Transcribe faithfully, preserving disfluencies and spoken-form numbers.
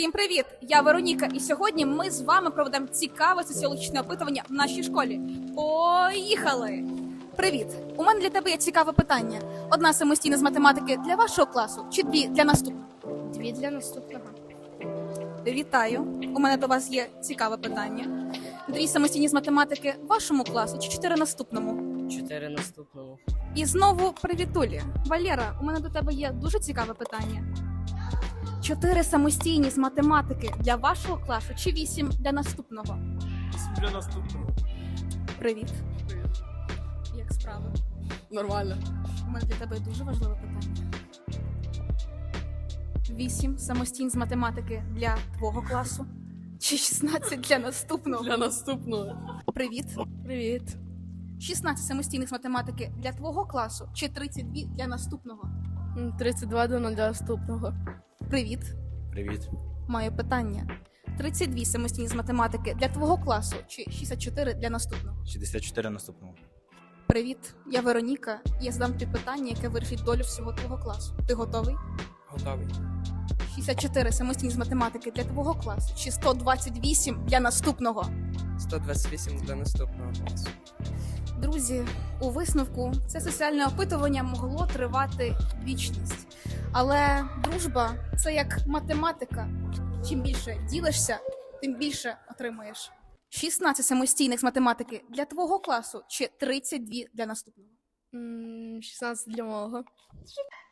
Всім привіт! Я Вероніка, і сьогодні ми з вами проведемо цікаве соціологічне опитування в нашій школі. Поїхали! Привіт! У мене для тебе є цікаве питання. Одна самостійна з математики для вашого класу чи дві для наступного? Дві для наступного. Вітаю! У мене до вас є цікаве питання. Дві самостійні з математики вашому класу чи чотири наступному? Чотири наступному. І знову привітулі. Валера, у мене до тебе є дуже цікаве питання. Чотири самостійні з математики для вашого класу чи вісім для наступного? Вісім для наступного. Привіт. Як справи? Нормально. У мене для тебе дуже важливе питання. Вісім самостійні з математики для твого класу чи шістнадцять для наступного? Для наступного. Привіт. Привіт. шістнадцять самостійних з математики для твого класу чи тридцять два для наступного? тридцять два для наступного. Привіт. Привіт. Маю питання. тридцять два самостійні з математики для твого класу чи шістдесят чотири для наступного? шістдесят чотири наступного. Привіт, я Вероніка. Я задам тобі питання, яке вирішить долю всього твого класу. Ти готовий? Готовий. шістдесят чотири самостійні з математики для твого класу чи сто двадцять вісім для наступного? сто двадцять вісім для наступного класу. Друзі, у висновку це соціальне опитування могло тривати вічність. Але дружба – це як математика. Чим більше ділишся, тим більше отримаєш. шістнадцять самостійних з математики для твого класу чи тридцять два для наступного? шістнадцять для мого.